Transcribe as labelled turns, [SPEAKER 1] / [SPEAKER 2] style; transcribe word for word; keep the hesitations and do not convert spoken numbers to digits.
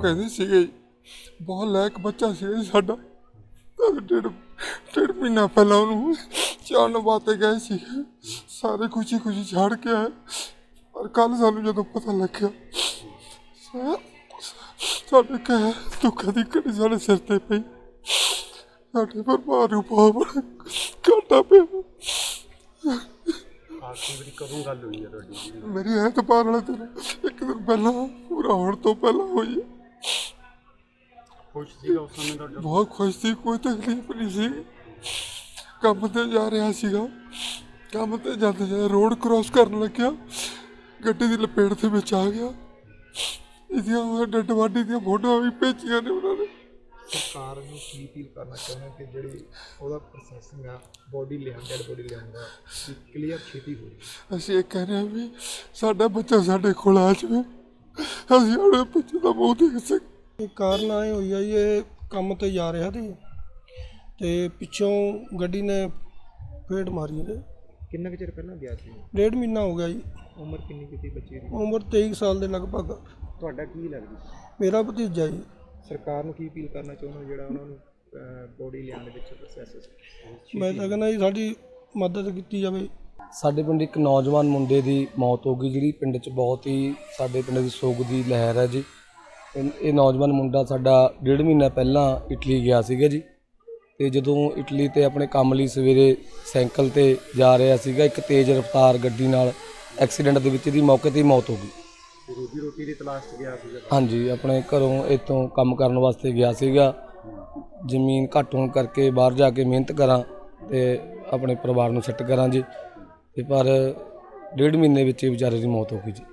[SPEAKER 1] ਕਹਿੰਦੇ ਸੀਗੇ ਜੀ, ਬਹੁਤ ਲਾਇਕ ਬੱਚਾ ਸੀ ਜੀ ਸਾਡਾ। ਤਾਂ ਡੇਢ ਡੇਢ ਮਹੀਨਾ ਪਹਿਲਾਂ ਉਹਨੂੰ ਚਾਣ ਵਾਸਤੇ ਗਏ ਸੀ, ਸਾਰੇ ਖੁਸ਼ੀ ਖੁਸ਼ੀ ਛੱਡ ਕੇ ਆਏ। ਪਰ ਕੱਲ੍ਹ ਸਾਨੂੰ ਜਦੋਂ ਪਤਾ ਲੱਗਿਆ ਸਾ- ਸਾਡੇ ਕਹਿ ਦੁੱਖਾਂ ਦੀ ਘੜੀ ਸਾਡੇ ਸਿਰ 'ਤੇ ਪਈ, ਸਾਡੇ ਪਰਿਵਾਰ ਨੂੰ ਬਹੁਤ ਬੜਾ ਘਾਟਾ ਪਿਆ।
[SPEAKER 2] ਆਖਰੀ ਵਾਰੀ ਕਦੋਂ ਗੱਲ ਹੋਈ ਹੈ ਤੁਹਾਡੀ?
[SPEAKER 1] ਮੇਰੀ ਐਤਵਾਰ ਵਾਲੇ ਦਿਨ ਇੱਕ ਦਿਨ ਪਹਿਲਾਂ, ਪੂਰਾ ਹੋਣ ਤੋਂ ਪਹਿਲਾਂ ਹੋਈ ਹੈ।
[SPEAKER 2] ਖੁਸ਼ ਸੀਗਾ ਉਸ ਸਮੇਂ ਤੁਹਾਡਾ?
[SPEAKER 1] ਬਹੁਤ ਖੁਸ਼ ਸੀ, ਕੋਈ ਤਕਲੀਫ ਨਹੀਂ ਸੀ। ਕੰਮ ਤੇ ਜਾ ਰਿਹਾ ਸੀਗਾ, ਕੰਮ ਤੇ ਜਾਂਦੇ ਜਾਂਦੇ ਰੋਡ ਕ੍ਰੋਸ ਕਰਨ ਲੱਗਿਆ, ਗੱਡੀ ਦੀ ਲਪੇਟ ਦੇ ਵਿੱਚ ਆ ਗਿਆ। ਇਹਦੀਆਂ ਡੱਡ ਵਾਢੀ ਦੀਆਂ ਫੋਟੋਆਂ ਵੀ ਭੇਜੀਆਂ ਨੇ ਉਹਨਾਂ ਨੇ।
[SPEAKER 2] ਸਰਕਾਰ ਨੂੰ ਕੀ ਅਪੀਲ ਕਰਨਾ ਚਾਹੁੰਦੇ ਕਿ ਜਿਹੜੀ ਉਹਦਾ ਪ੍ਰੋਸੈਸਿੰਗ ਆ, ਬੋਡੀ ਲਿਆਉਣ ਡੈਡ ਬੋਡੀ ਲਿਆਉਣ ਦਾ ਕਲੀਅਰ ਛੇਤੀ ਹੋ ਜਾਵੇ।
[SPEAKER 1] ਅਸੀਂ ਇਹ ਕਹਿੰਦੇ ਹਾਂ ਵੀ ਸਾਡਾ ਬੱਚਾ ਸਾਡੇ ਕੋਲ ਆ ਜਾਵੇ, ਅਸੀਂ ਆਪਣੇ ਬੱਚੇ ਦਾ ਮੂੰਹ ਦੇਖ ਸਕੀਏ।
[SPEAKER 3] ਇਹ ਕਾਰਨ ਆਏ ਹੋਈ ਆ ਜੀ, ਇਹ ਕੰਮ ਤੇ ਜਾ ਰਿਹਾ ਸੀ ਤੇ ਪਿੱਛੋਂ ਗੱਡੀ ਨੇ ਫੇਟ ਮਾਰੀ ਇਹਦੇ।
[SPEAKER 2] ਕਿੰਨਾ ਕੁ ਚਿਰ ਪਹਿਲਾਂ ਗਿਆ ਸੀ?
[SPEAKER 3] ਡੇਢ ਮਹੀਨਾ ਹੋ ਗਿਆ ਜੀ।
[SPEAKER 2] ਉਮਰ ਕਿੰਨੀ ਕੀਤੀ ਬੱਚੇ ਦੀ?
[SPEAKER 3] ਉਮਰ ਤੇਈ ਸਾਲ ਦੇ ਲਗਭਗ।
[SPEAKER 2] ਤੁਹਾਡਾ ਕੀ ਲੱਗਦਾ?
[SPEAKER 3] ਮੇਰਾ ਭਤੀਜਾ ਜੀ।
[SPEAKER 2] ਸਰਕਾਰ ਨੂੰ ਕੀ ਅਪੀਲ ਕਰਨਾ ਚਾਹੁੰਦੇ ਹੋ ਜਿਹੜਾ ਉਹਨਾਂ ਨੂੰ ਬੋਡੀ ਲਿਆਉਣ ਦੇ ਵਿੱਚ ਪ੍ਰੋਸੈਸ?
[SPEAKER 3] ਮੈਂ ਤਾਂ ਕਹਿੰਦਾ ਜੀ ਸਾਡੀ ਮਦਦ ਕੀਤੀ ਜਾਵੇ।
[SPEAKER 4] ਸਾਡੇ ਪਿੰਡ ਇੱਕ ਨੌਜਵਾਨ ਮੁੰਡੇ ਦੀ ਮੌਤ ਹੋ ਗਈ, ਜਿਹੜੀ ਪਿੰਡ 'ਚ ਬਹੁਤ ਹੀ ਸਾਡੇ ਪਿੰਡ ਦੀ ਸੋਗ ਦੀ ਲਹਿਰ ਹੈ ਜੀ। ਇਹ ਇਹ ਨੌਜਵਾਨ ਮੁੰਡਾ ਸਾਡਾ ਡੇਢ ਮਹੀਨਾ ਪਹਿਲਾਂ ਇਟਲੀ ਗਿਆ ਸੀਗਾ ਜੀ, ਅਤੇ ਜਦੋਂ ਇਟਲੀ 'ਤੇ ਆਪਣੇ ਕੰਮ ਲਈ ਸਵੇਰੇ ਸਾਈਕਲ 'ਤੇ ਜਾ ਰਿਹਾ ਸੀਗਾ, ਇੱਕ ਤੇਜ਼ ਰਫ਼ਤਾਰ ਗੱਡੀ ਨਾਲ ਐਕਸੀਡੈਂਟ ਦੇ ਵਿੱਚ ਇਹਦੀ ਮੌਕੇ 'ਤੇ ਹੀ ਮੌਤ ਹੋ ਗਈ।
[SPEAKER 2] ਰੋਜੀ ਰੋਟੀ ਦੀ ਤਲਾਸ਼ 'ਚ ਗਿਆ ਸੀਗਾ?
[SPEAKER 4] ਹਾਂਜੀ, ਆਪਣੇ ਘਰੋਂ ਇੱਥੋਂ ਕੰਮ ਕਰਨ ਵਾਸਤੇ ਗਿਆ ਸੀਗਾ। ਜ਼ਮੀਨ ਘੱਟ ਹੋਣ ਕਰਕੇ ਬਾਹਰ ਜਾ ਕੇ ਮਿਹਨਤ ਕਰਾਂ ਅਤੇ ਆਪਣੇ ਪਰਿਵਾਰ ਨੂੰ ਸੈੱਟ ਕਰਾਂ ਜੀ, ਅਤੇ ਪਰ ਡੇਢ ਮਹੀਨੇ ਵਿੱਚ ਹੀ ਵਿਚਾਰੇ ਦੀ ਮੌਤ ਹੋ ਗਈ ਜੀ।